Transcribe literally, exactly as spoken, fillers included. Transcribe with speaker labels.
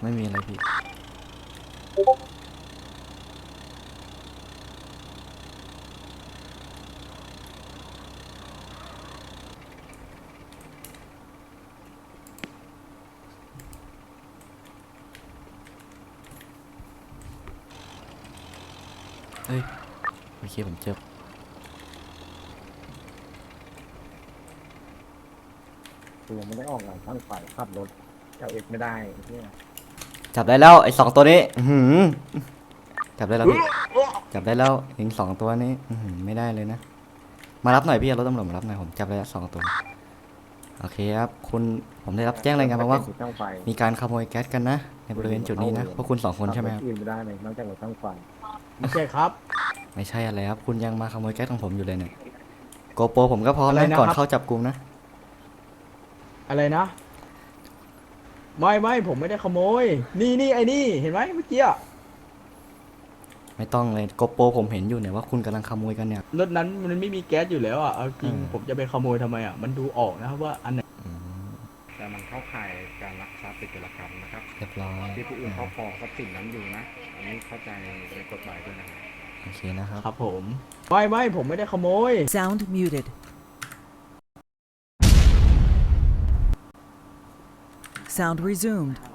Speaker 1: ไม่มีอะไรพี่เอ้ยโอเคผมเจอ
Speaker 2: กูยังไม่ได้ออกหลังข้างฝ่ายขับรถเจ้าเอกไม่ได้เนี่ย
Speaker 1: จับได้แล้วไอ้สองตัวนี้อื้อหือจับได้แล้วพี่จับได้แล้วเองสองตัวนี้อื้อหือไม่ได้เลยนะมารับหน่อยพี่เอารถตำรวจมารับหน่อยผมจับได้แล้วสองตัวโอเคครับคุณผมได้รับแจ้งรายงานมาว่า
Speaker 2: ช่างไฟ
Speaker 1: มีการขโมยแก๊สกันนะในบริเวณจุดนี้นะพวกคุณสองคนใช่ไหมครับ
Speaker 2: อื่นไม่ได้เลยนอกจากรถช่างไฟ
Speaker 3: ไม่ใช่ครับ
Speaker 1: ไม่ใช่อะไรครับคุณยังมาขโมยแก๊สของผมอยู่เลยเนี่ยโกโปรผมก็พร้อม
Speaker 3: อะไร
Speaker 1: นะ
Speaker 3: นะครับ
Speaker 1: ก่อนเข้าจับกุมนะ
Speaker 3: อะไรนะ ไม่ไม่ผมไม่ได้ขโมย นี่นี่ไอ้นี่เห็นไหมเมื่อกี้อะ
Speaker 1: ไม่ต้องเลยโกโปรผมเห็นอยู่เนี่ยว่าคุณกำลังขโมยกันเนี่ย
Speaker 3: รถนั้นมันไม่มีแก๊สอยู่แล้วอ่ะเอาจริง
Speaker 1: อืม
Speaker 3: ผมจะไปขโมยทำไมอ่ะมันดูออกนะครับว่าอันไหน
Speaker 1: อืม
Speaker 2: แต่มันเข้าข่ายการลักทรัพย์เป็นกิจกรรมนะครับ
Speaker 1: เรียบร้อย
Speaker 2: ที่ผู้อื่นครอบครองทรัพย์สินนั้นอยู่นะอันนี้เข้าใจในกฎหมายด้วยนะครับ
Speaker 1: โอเคนะครับ
Speaker 3: ครับผมไม่ไม่ผมไม่ได้ขโมย
Speaker 4: Sound muted. Sound resumed.